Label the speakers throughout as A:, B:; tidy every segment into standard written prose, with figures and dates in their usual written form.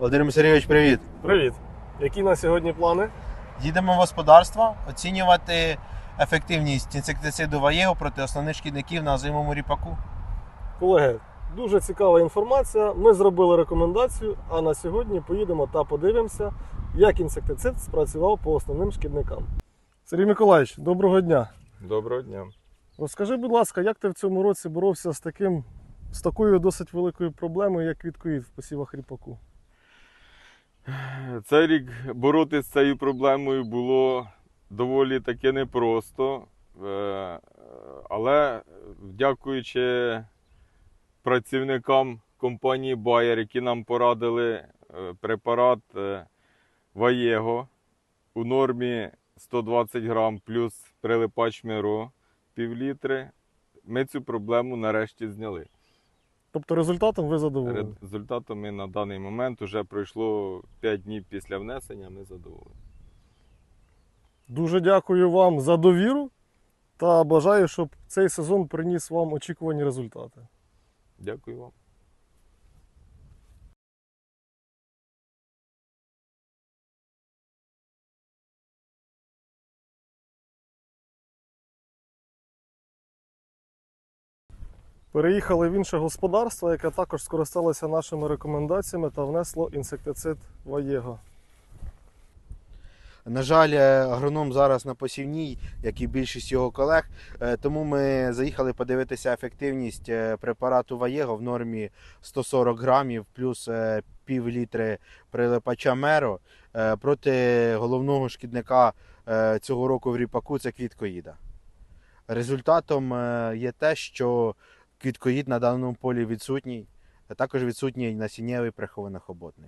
A: Володимир Сергійович, привіт!
B: Привіт! Які на сьогодні плани?
A: Їдемо в господарство оцінювати ефективність інсектициду Ваєго проти основних шкідників на озимому ріпаку.
B: Колеги, дуже цікава інформація. Ми зробили рекомендацію, а на сьогодні поїдемо та подивимося, як інсектицид спрацював по основним шкідникам. Сергій Миколаївич, доброго дня!
C: Доброго дня.
B: Розкажи, будь ласка, як ти в цьому році боровся з такою досить великою проблемою, як квіткоїд в посівах ріпаку?
C: Цей рік боротися з цією проблемою було доволі таки непросто, але дякуючи працівникам компанії Bayer, які нам порадили препарат Ваєго у нормі 120 грам плюс прилипач Миро пів-літри, ми цю проблему нарешті зняли.
B: Тобто результатом ви задоволені?
C: Результатом ми на даний момент, вже пройшло 5 днів після внесення, ми задоволені.
B: Дуже дякую вам за довіру та бажаю, щоб цей сезон приніс вам очікувані результати.
C: Дякую вам.
B: Переїхали в інше господарство, яке також скористалося нашими рекомендаціями та внесло інсектицид Ваєго.
A: На жаль, агроном зараз на посівній, як і більшість його колег, тому ми заїхали подивитися ефективність препарату Ваєго в нормі 140 грамів плюс пів-літри прилипача Меро проти головного шкідника цього року в ріпаку – це квіткоїда. Результатом є те, що квіткоїд на даному полі відсутній, а також відсутній насіннєвий прихований хоботник.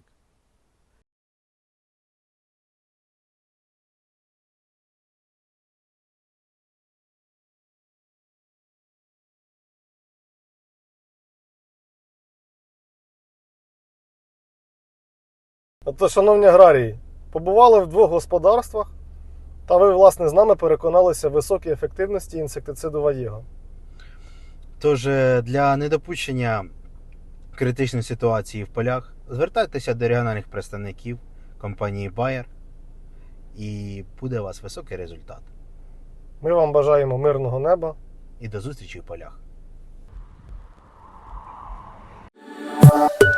B: Тобто, шановні аграрії, побували в двох господарствах, та ви, власне, з нами переконалися в високій ефективності інсектициду Ваєго.
A: Тож для недопущення критичної ситуації в полях звертайтеся до регіональних представників компанії Bayer і буде у вас високий результат.
B: Ми вам бажаємо мирного неба.
A: І до зустрічі в полях.